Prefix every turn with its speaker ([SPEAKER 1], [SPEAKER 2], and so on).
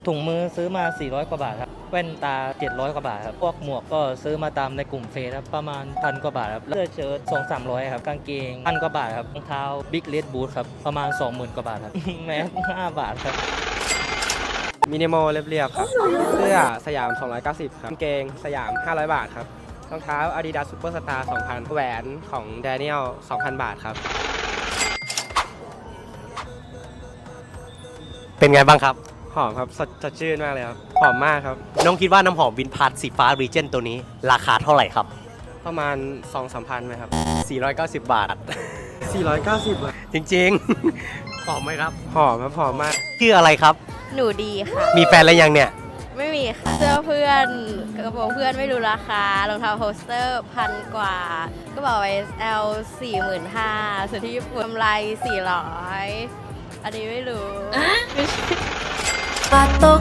[SPEAKER 1] ถุงมือซื้อมา400กว่าบาทครับแว่นตา700กว่าบาทครับพวกหมวกก็ซื้อมาตามในกลุ่มเฟซครับประมาณ1,000กว่าบาทครับเสื้อเชิ้ต200-300ครับกางเกง1,000กว่าบาทครับรองเท้า Big Red Boot ครับประมาณ 20,000กว่าบาทครับ แมส5บาทครับ
[SPEAKER 2] มินิมอลเรียบๆครับเสื้อสยาม290ครับกางเกงสยาม500บาทครับรองเท้า Adidas Superstar 2,000แหวนของ Daniel 2,000 บาทครับ
[SPEAKER 3] เป็นไงบ้างครับ
[SPEAKER 2] หอมครับสดชื่นมากเลยครับหอมมากครับ
[SPEAKER 3] น้องคิดว่าน้ำหอมวินพาร์ทสีฟ้ารีเจนตัวนี้ราคาเท่าไหร่ครับ
[SPEAKER 2] ประมาณ 2-3 พันไหมครับ
[SPEAKER 3] 490 บาท
[SPEAKER 2] 490บาท
[SPEAKER 3] จริงๆหอมไหมครับ
[SPEAKER 2] หอมครับหอมมาก
[SPEAKER 3] ชื่ออะไรครับ
[SPEAKER 4] หนูดีค่ะ
[SPEAKER 3] มีแฟนแล้วยังเนี่ย
[SPEAKER 4] ไม่มีค่ะ เสื้อเพื่อนกระโปรงเพื่อนไม่รู้ราคารองเท้าโฮสเตอร์1,000 กว่ากระเป๋า SL 45,000ส่วนที่ญี่ปุ่นกำไร400อันนี้ไม่รู้